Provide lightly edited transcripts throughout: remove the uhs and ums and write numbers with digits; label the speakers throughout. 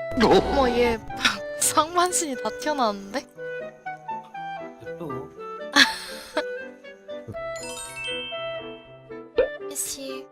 Speaker 1: 어머 얘 상반신이 다 튀어나왔는데?
Speaker 2: 또
Speaker 1: 씨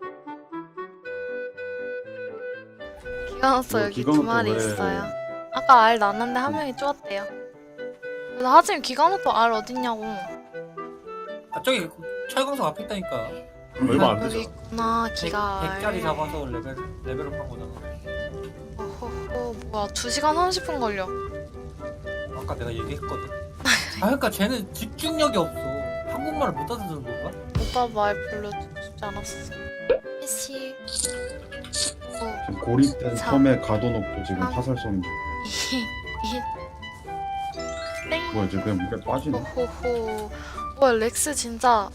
Speaker 1: 기가 났어. 여기
Speaker 3: 기가
Speaker 1: 두
Speaker 3: 났다,
Speaker 1: 마리
Speaker 3: 왜?
Speaker 1: 있어요. 아까 알 났는데 한 명이 쪼았대요. 그래서 하지만 기가노토 알 어딨냐고.
Speaker 2: 아 저기 철광석 앞에 있다니까.
Speaker 3: 얼마 안
Speaker 1: 여기
Speaker 3: 되잖아.
Speaker 1: 있구나 기가 알.
Speaker 2: 100짜리 잡아서 레벨업 한 거잖아.
Speaker 1: 어허허 뭐야 2시간 30분 걸려.
Speaker 2: 아까 내가 얘기했거든. 아 그러니까 쟤는 집중력이 없어. 한국말을 못 알아듣는 건가?
Speaker 1: 오빠 말 별로 듣고 싶지 않았어. 씨
Speaker 3: 지금 고립된
Speaker 1: 사.
Speaker 3: 섬에 가둬놓고 지금
Speaker 1: 삼.
Speaker 3: 화살 쏘는 중.
Speaker 1: 땡.
Speaker 3: 뭐야 지금 그냥 물에 빠지네.
Speaker 1: 호호호. 뭐야 렉스 진짜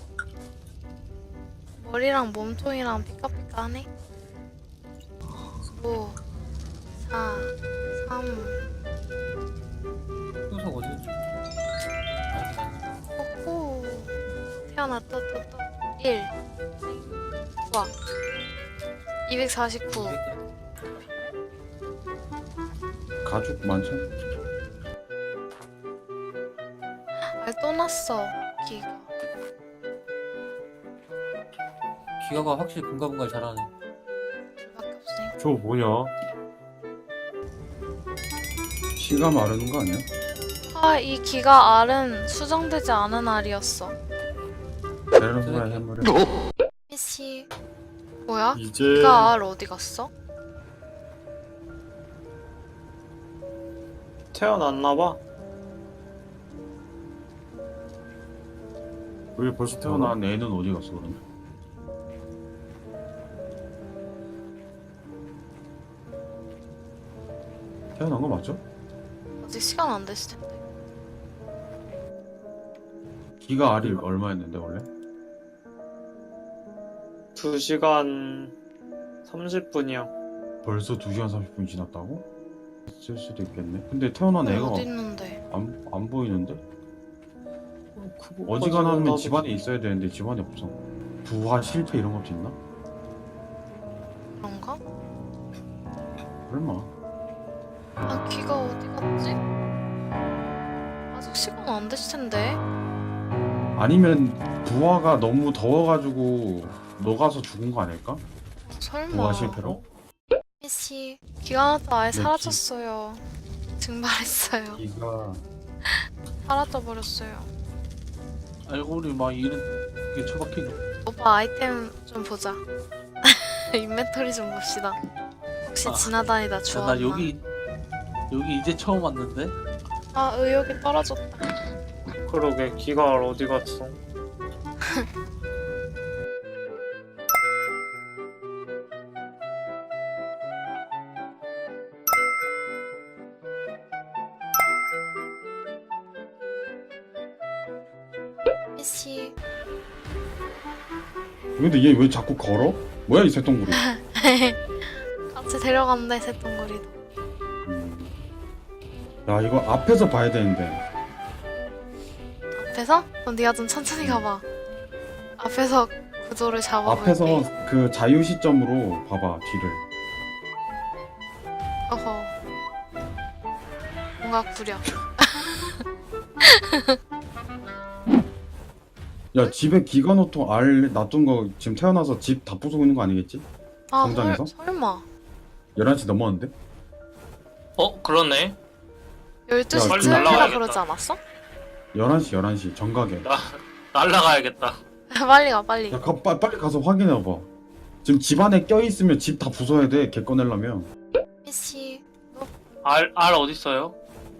Speaker 1: 머리랑 몸통이랑 피카피카하네. 5 4 3
Speaker 2: 효석 어디 있지?
Speaker 1: 호호. 태어났다 또 1 우와 249.
Speaker 3: 가죽 많잖아.
Speaker 1: 알 또 났어 기가.
Speaker 2: 기가가 확실히 분가분가 잘하네.
Speaker 1: 밖에 없으니까.
Speaker 4: 저거 뭐냐?
Speaker 3: 시가 마르는 거 아니야?
Speaker 1: 이 기가 알은 수정되지 않은 알이었어.
Speaker 3: 베르노라 해물에.
Speaker 1: 씨 뭐야?
Speaker 4: 이제
Speaker 1: 기가 알 어디 갔어?
Speaker 4: 태어났나봐.
Speaker 3: 왜 벌써 태어난 애는 어디 갔어 그러면? 태어난 거 맞죠?
Speaker 1: 아직 시간 안 됐을 텐데.
Speaker 3: 기가 알이 얼마였는데 원래?
Speaker 4: 2시간 30분이야.
Speaker 3: 벌써 2시간 30분이 지났다고? 있을 수도 있겠네. 근데 태어난 애가
Speaker 1: 어디 있는데?
Speaker 3: 안 보이는데? 어지간하면 집안에 있어야 되는데 집안에 없어. 부화 실패 이런 것도 있나?
Speaker 1: 그런가?
Speaker 3: 설마.
Speaker 1: 아 기가 어디 갔지? 아직 시간 안 됐을 텐데.
Speaker 3: 아니면 부화가 너무 더워가지고 녹아서 죽은 거 아닐까?
Speaker 1: 설마.
Speaker 3: 부화 실패로?
Speaker 1: 씨 기가 나도 아예
Speaker 3: 네,
Speaker 1: 사라졌어요. 증발했어요.
Speaker 3: 기가
Speaker 1: 사라져 버렸어요.
Speaker 5: 알고 보니 막 이런 게 처박히네.
Speaker 1: 오빠 아이템 좀 보자. 인벤토리 좀 봅시다. 혹시
Speaker 5: 아,
Speaker 1: 지나다니다 주웠나?
Speaker 5: 나 여기 이제 처음 왔는데.
Speaker 1: 아 의욕이 떨어졌다.
Speaker 4: 그러게 기가 어디 갔어?
Speaker 1: 씨
Speaker 3: 근데 얘 왜 자꾸 걸어? 뭐야 이 새똥구리.
Speaker 1: 같이 데려간대 새똥구리도.
Speaker 3: 야 이거 앞에서 봐야 되는데.
Speaker 1: 앞에서? 그럼 네가 좀 천천히 가봐. 앞에서 구도를 잡아볼게.
Speaker 3: 앞에서 그 자유 시점으로 봐봐 뒤를.
Speaker 1: 어허. 뭔가 구려.
Speaker 3: 야 집에 기가노토 알 놔둔 거 지금 태어나서 집 다 부수고 있는 거 아니겠지?
Speaker 1: 아
Speaker 3: 성장해서?
Speaker 1: 설마
Speaker 3: 11시 넘었는데?
Speaker 4: 그러네.
Speaker 1: 12시
Speaker 3: 빨리
Speaker 1: 쯤이라
Speaker 4: 날라가야겠다.
Speaker 1: 그러지 않았어?
Speaker 3: 11시 정각에.
Speaker 4: 날라가야겠다.
Speaker 1: 빨리 가 빨리.
Speaker 3: 야 빨리 가서 확인해봐. 지금 집 안에 껴있으면 집 다 부숴야 돼. 개 꺼내려면.
Speaker 1: 씨
Speaker 4: 알 어딨어요?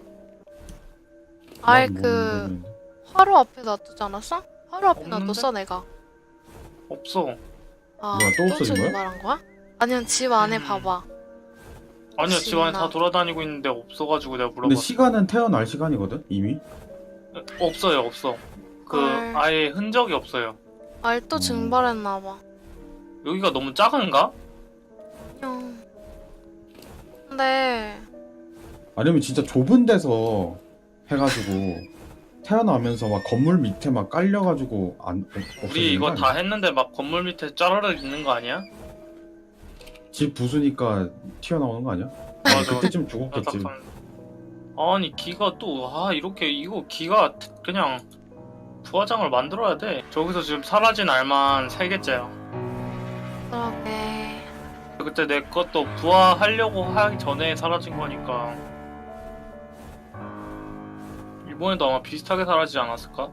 Speaker 1: 아예
Speaker 3: 난
Speaker 1: 그
Speaker 3: 모르겠는데.
Speaker 1: 화로 앞에 놔두지 않았어? 화로 앞에
Speaker 4: 없는데?
Speaker 1: 놔뒀어 내가.
Speaker 4: 없어.
Speaker 1: 아,
Speaker 3: 뭐야, 또 없어진 거야?
Speaker 1: 말한 거야? 아니면 집 안에 봐봐.
Speaker 4: 아니요 집 안에
Speaker 1: 없나?
Speaker 4: 다 돌아다니고 있는데 없어가지고 내가
Speaker 3: 근데
Speaker 4: 물어봤어.
Speaker 3: 시간은 태어날 시간이거든? 이미?
Speaker 4: 없어요 없어. 그
Speaker 1: 헐.
Speaker 4: 아예 흔적이 없어요.
Speaker 1: 알 또 증발했나 봐.
Speaker 4: 여기가 너무 작은가?
Speaker 1: 형. 근데
Speaker 3: 아니면 진짜 좁은 데서 해가지고 태어나면서 막 건물 밑에 막 깔려가지고 없어지는
Speaker 4: 우리 이거
Speaker 3: 거
Speaker 4: 다
Speaker 3: 아니야?
Speaker 4: 했는데 막 건물 밑에 짜르르 있는 거 아니야?
Speaker 3: 집 부수니까 튀어나오는 거 아니야?
Speaker 4: 맞아.
Speaker 3: 그때쯤 죽었겠지.
Speaker 4: 아니 기가 또 이렇게 이거 기가 그냥 부화장을 만들어야 돼. 저기서 지금 사라진 알만 3개째야.
Speaker 1: 그러게.
Speaker 4: 그때 내 것도 부화하려고 하기 전에 사라진 거니까 이번에도 아마 비슷하게 사라지지 않았을까?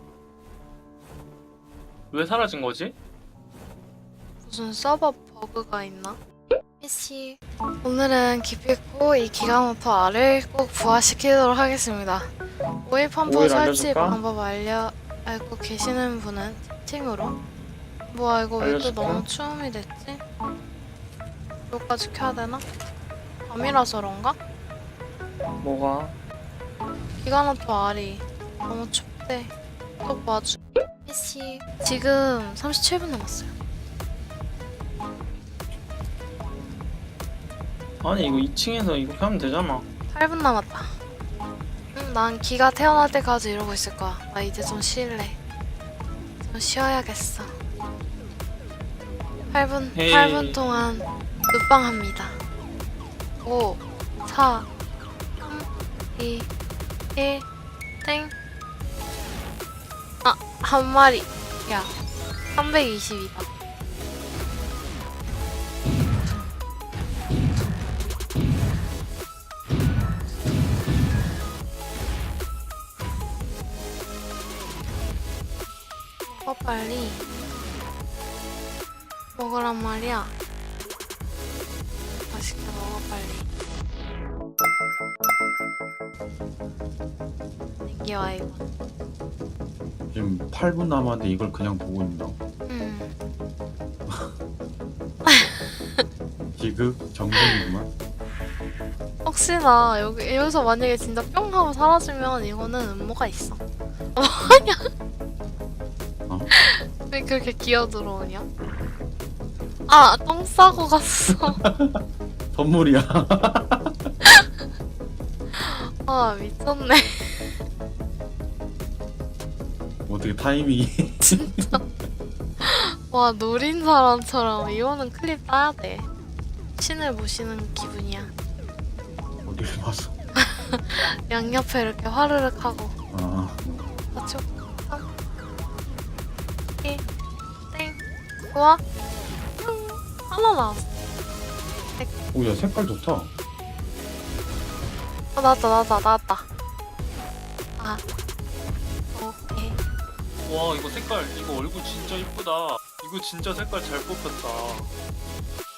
Speaker 4: 왜 사라진 거지?
Speaker 1: 무슨 서버 버그가 있나? PC. 오늘은 기필코 이 기가모토 R을 꼭 부화시키도록 하겠습니다. 오일 펌프
Speaker 3: 오일
Speaker 1: 설치
Speaker 3: 알려줄까?
Speaker 1: 방법 알고 계시는 분은 채팅으로. 뭐야 이거 왜 또
Speaker 3: 알려줄까?
Speaker 1: 너무 추움이 됐지? 이거까지 켜야 되나? 밤이라서 그런가?
Speaker 4: 뭐가?
Speaker 1: 기가모토 R이 너무 춥대. 또 봐줘. PC. 지금 37분 남았어요.
Speaker 4: 아니 이거 2층에서 이렇게 하면 되잖아.
Speaker 1: 8분 남았다. 난 기가 태어날 때까지 이러고 있을 거야. 나 이제 좀 쉴래. 좀 쉬어야겠어. 8분
Speaker 4: 헤이.
Speaker 1: 8분 동안 눕방합니다. 5, 4, 3, 2, 1, 땡. 한 마리. 야, 320이다. 먹어 빨리. 먹으란 말이야. 맛있게 먹어 빨리. 애기야 이거.
Speaker 3: 지금 8분 남았는데 이걸 그냥 보고 있나? 지극 정성이구만.
Speaker 1: 혹시나 여기서 만약에 진짜 뿅 하고 사라지면 이거는 음모가 있어.
Speaker 3: 어?
Speaker 1: 왜 그렇게 기어 들어오냐? 아, 똥 싸고 갔어.
Speaker 3: 선물이야.
Speaker 1: 아, 미쳤네.
Speaker 3: 어떻게 타이밍이.
Speaker 1: 와, 노린 사람처럼 이거는 클립 따야 돼. 신을 모시는 기분이야.
Speaker 3: 어디를 봐서.
Speaker 1: 양옆에 이렇게 화르륵 하고.
Speaker 3: 아,
Speaker 1: 4초, 3, 2, 땡. 좋아. 하나 나왔어.
Speaker 3: 오야 색깔 좋다.
Speaker 1: 나왔다. 아. 오케이.
Speaker 4: 와 이거 색깔 이거 얼굴 진짜 이쁘다. 이거 진짜 색깔 잘 뽑혔다.